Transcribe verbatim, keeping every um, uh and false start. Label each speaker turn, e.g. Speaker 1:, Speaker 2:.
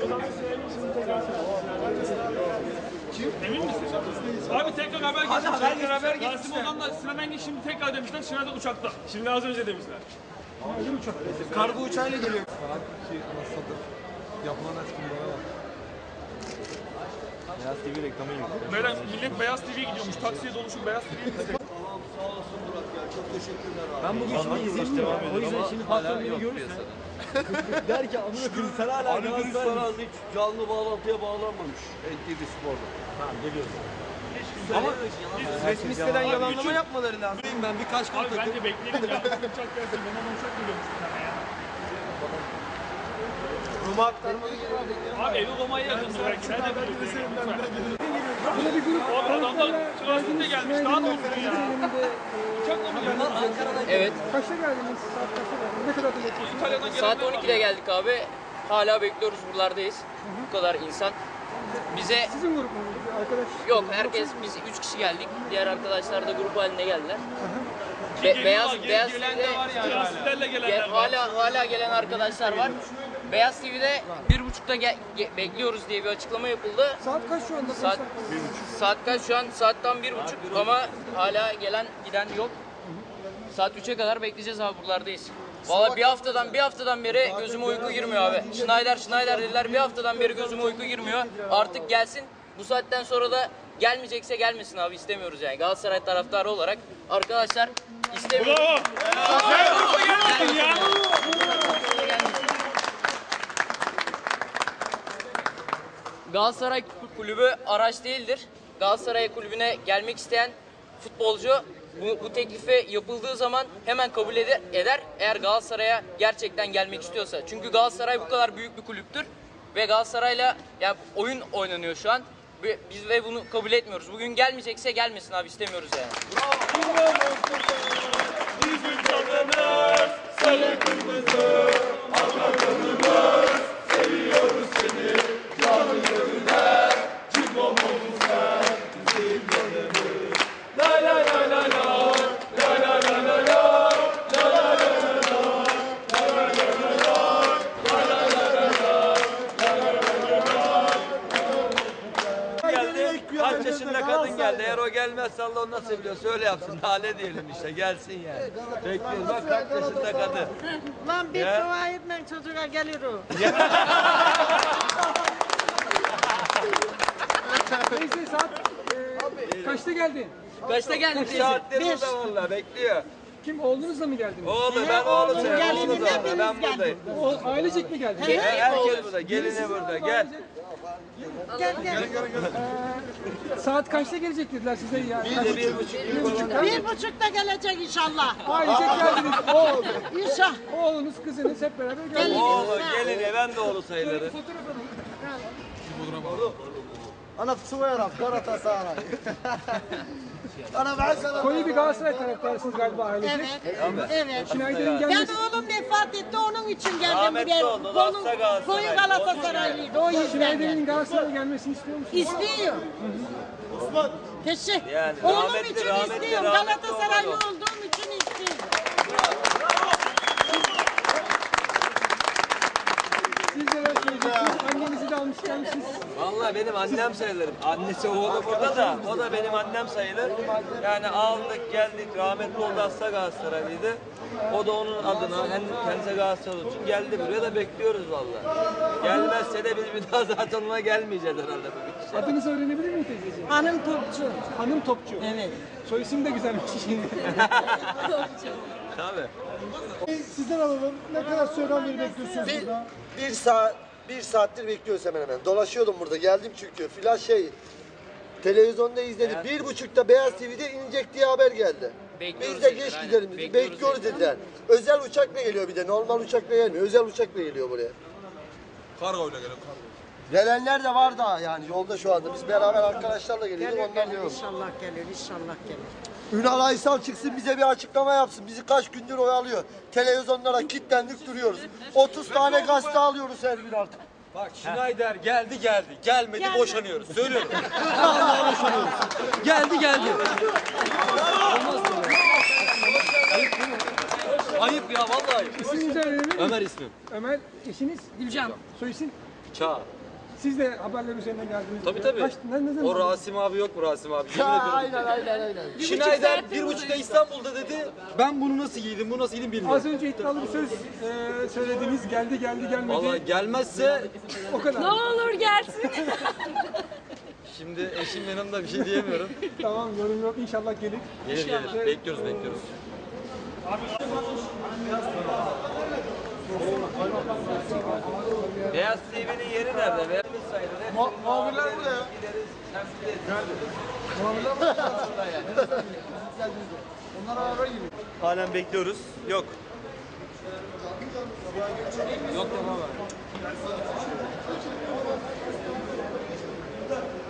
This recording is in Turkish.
Speaker 1: Emin misin? Abi tekrar haber geçmiş. Tekrar haber geçmiş. Rasim Ozan'la Sinan Engin şimdi tekrar demişler. Sinan da uçakta. Şimdi az önce demişler.
Speaker 2: Öyle uçak. Kargo uçağıyla geliyor. Şey, anasıdır. Yapılan etkinliğe bak.
Speaker 3: Beyaz T V reklamı gibi.
Speaker 1: Böyle millet Beyaz T V'ye gidiyormuş. Taksiye doluşup Beyaz T V'ye gitsin.
Speaker 4: Tamam sağ olasın Murat ya. Çok teşekkürler abi.
Speaker 2: Ben bugün şimdi izlemiyorum. O yüzden şimdi patron beni görürse. Der ki amına koyayım sen hala
Speaker 4: Ali Gürüz falan hiç canlı bağlantıya bağlanmamış. N T V Spor'da.
Speaker 2: Tamam geliyorsun.
Speaker 4: Ama
Speaker 2: Resmi siteden yalanlama yapmaları lazım. Ben birkaç gün
Speaker 1: Abi bence bekleyelim ya. Uçak gelsin. Ben ama uçak geliyormuş bir tane ya.
Speaker 2: Roma aktarmalı geliyor.
Speaker 1: Abi evi Roma'ya yakındı belki. Sen de biliyorsun. O adamlar transitte gelmiş. Daha ne olsun ya? Uçakla mı geldi?
Speaker 5: Evet.
Speaker 2: Kaçta geldiniz? Saat kaçta geldiniz? Ne kadar da bekliyorsunuz?
Speaker 1: İtalya'dan
Speaker 5: Saat
Speaker 1: gelenler
Speaker 5: on
Speaker 1: var.
Speaker 5: ikide geldik abi. Hala bekliyoruz, buralardayız. Bu kadar insan. Bize
Speaker 2: Sizin grup mu? Arkadaş.
Speaker 5: yok, herkes biz üç kişi geldik. Diğer arkadaşlar da grup halinde geldiler. Be- beyaz beyaz T V'de
Speaker 1: Transitlerle gelenler
Speaker 5: ge-
Speaker 1: var.
Speaker 5: hala hala gelen arkadaşlar var. Beyaz T V'de bir buçukta ge- ge- bekliyoruz diye bir açıklama yapıldı.
Speaker 2: Saat kaç şu anda?
Speaker 5: Saat saat kaç şu an? Saat tam bir buçuk ama hala gelen giden yok. Saat üçe kadar bekleyeceğiz abi, buralardayız. Vallahi bir haftadan bir haftadan beri gözüme uyku girmiyor abi. Schneider Schneider dediler, bir haftadan beri gözüme uyku girmiyor. Artık gelsin. Bu saatten sonra da gelmeyecekse gelmesin abi, istemiyoruz yani. Galatasaray taraftarı olarak arkadaşlar istemiyoruz.
Speaker 1: Bravo. Sen gruba gelmedin ya.
Speaker 5: Galatasaray kulübü araç değildir. Galatasaray kulübüne gelmek isteyen futbolcu bu, bu teklifi yapıldığı zaman hemen kabul eder, eder eğer Galatasaray'a gerçekten gelmek istiyorsa. Çünkü Galatasaray bu kadar büyük bir kulüptür ve Galatasaray'la yani oyun oynanıyor şu an. Ve biz ve bunu kabul etmiyoruz. Bugün gelmeyecekse gelmesin abi, istemiyoruz yani.
Speaker 1: Bizim canımız sarı kırmızı. Anlatanımız seviyoruz seni. Canı gönüller. Cimom olsun sen. Bizim canımız. La la la la la. La la la la la. La la la la la. La la la la la. La la la la la.
Speaker 4: geldi. Kaç yaşında kadın geldi. Eğer o gelmezse Allah onu nasıl biliyor. Söyle yapsın. Daha ne diyelim işte. Gelsin yani. Bekliyoruz. Bak kaç yaşında kadın.
Speaker 6: Lan bir
Speaker 4: Ya.
Speaker 6: dua etmen çocuğa gelir o.
Speaker 2: Neyse saat e, kaçta geldin?
Speaker 5: Kaçta geldik
Speaker 4: Bir
Speaker 5: teyze?
Speaker 4: saattir burada valla bekliyor.
Speaker 2: Kim oğlunuzla mı geldiniz?
Speaker 4: Oğlum ben oğlum sen.
Speaker 6: Gelin,
Speaker 4: Oğlum da orada.
Speaker 6: hepimiz
Speaker 4: Ben buradayım.
Speaker 2: O, ailecek mi geldiniz?
Speaker 5: Ge-
Speaker 4: Herkes burada. Gelini burada. Gel.
Speaker 6: Gel gel.
Speaker 2: Saat kaçta gelecek dediler size ya?
Speaker 4: Bir de bir buçuk gün falan.
Speaker 6: Bir buçukta gelecek inşallah.
Speaker 2: Ailecek geldiniz. Oğul,
Speaker 6: İnşallah.
Speaker 2: oğlunuz, kızınız hep beraber geldiniz.
Speaker 4: Oğlu gelini ben de oğlu sayılırım.
Speaker 2: Fotoğraf alın.
Speaker 7: انا في سويرة في قرة سارة انا بعشرة
Speaker 2: Koyu bir Galatasaray taraftarısınız galiba ailecek.
Speaker 6: Evet. Evet.
Speaker 2: Schneider'in
Speaker 6: Ben
Speaker 2: gelmesi.
Speaker 6: oğlum vefat etti, onun için geldim
Speaker 4: Rahmetli
Speaker 6: buraya.
Speaker 4: oldu,
Speaker 6: Onun
Speaker 4: hasta Galatasaray.
Speaker 6: koyu Galatasaraylıydı, o yüzden
Speaker 2: Schneider'in
Speaker 6: geldim.
Speaker 2: Galatasaray'a gelmesini istiyor musunuz?
Speaker 6: İstiyor. Teşekkür.
Speaker 4: Yani
Speaker 6: Oğlum
Speaker 4: rahmetli,
Speaker 6: için
Speaker 4: rahmetli,
Speaker 6: istiyorum.
Speaker 4: rahmetli
Speaker 6: Galatasaraylı
Speaker 4: olmadı.
Speaker 6: olduğum için istiyorum.
Speaker 2: Siz neler söyleyeceksiniz? Annenizi de almış gelmişsiniz.
Speaker 4: Vallahi benim annem sayılırım. Annesi oğlu burada da o da benim annem sayılır. Yani aldık geldik rahmetli oldu hasta Galatasaraylıydı. O da onun adına hem kendisi Galatasaray için geldi buraya da bekliyoruz vallahi. Gelmezse de biz bir daha zaten ona gelmeyeceğiz herhalde bu gidişe.
Speaker 2: Adınızı öğrenebilir miyim teyzeciğim?
Speaker 6: Hanım topçu.
Speaker 2: Hanım Topçu.
Speaker 6: Evet.
Speaker 2: Soy isim de güzelmiş şimdi.
Speaker 4: Tabii.
Speaker 7: Sizden alalım. Ne kadar süreden beri bekliyorsunuz burada? Bir saat, bir saattir bekliyoruz hemen hemen. Dolaşıyordum burada. Geldim çünkü. Flash şey, televizyonda izledik. Bir buçukta Beyaz T V'de inecek diye haber geldi.
Speaker 5: Bekliyoruz
Speaker 7: Biz de
Speaker 5: dediler,
Speaker 7: geç
Speaker 5: aynen.
Speaker 7: gidelim dedi.
Speaker 5: Bekliyoruz
Speaker 7: Bekliyoruz dediler. Özel uçakla geliyor bir de. Normal uçakla gelmiyor. Özel uçakla geliyor buraya.
Speaker 2: Kargoyla geliyor.
Speaker 7: Gelenler de var daha yani yolda şu anda. Biz beraber arkadaşlarla geliyorduk.
Speaker 6: Gelir
Speaker 7: Ondan
Speaker 6: gelir
Speaker 7: diyorum.
Speaker 6: inşallah gelir inşallah gelir.
Speaker 7: Ünal Aysal çıksın bize bir açıklama yapsın. Bizi kaç gündür oyalıyor. Televizyonlara kilitlendik duruyoruz. otuz tane gazete alıyoruz her gün artık.
Speaker 4: Bak Schneider geldi geldi. Gelmedi
Speaker 6: Geldi.
Speaker 4: boşanıyoruz. Söylüyorum. Vallahi boşanıyoruz. Geldi geldi. Olmaz böyle. Ayıp değil mi? Ayıp ya vallahi ayıp.
Speaker 2: İsminizi öğrenebilir miyim?
Speaker 4: Ömer ismim.
Speaker 2: Ömer, eşiniz? Gülcan. Soy isim?
Speaker 3: Çağ.
Speaker 2: Siz de haberler üzerine geldiniz.
Speaker 3: Tabii tabii.
Speaker 2: Kaç, ne, ne zaman?
Speaker 3: O Rasim abi yok mu Rasim abi?
Speaker 7: Ya,
Speaker 3: Yemin ediyorum.
Speaker 7: aynen aynen aynen.
Speaker 3: Schneider bir buçukta İstanbul'da dedi. Ben bunu nasıl giydim, bu nasıl giydim bilmiyorum.
Speaker 2: Az önce iddialı bir söz e, söylediniz. Geldi geldi gelmedi.
Speaker 3: Vallahi gelmezse
Speaker 2: O kadar.
Speaker 8: Ne olur gelsin.
Speaker 3: şimdi eşim yanımda bir şey diyemiyorum.
Speaker 2: Tamam, yorum yok. İnşallah gelir.
Speaker 3: Gelir gelir. Bekliyoruz bekliyoruz.
Speaker 4: Beyaz T V'nin yeri nerede? Beyaz sayılır.
Speaker 2: Mu muhabirler burada ya. Muhabirler burada. Onlar araba giriyor.
Speaker 1: Halen bekliyoruz. Yok.
Speaker 2: Yok tamam abi.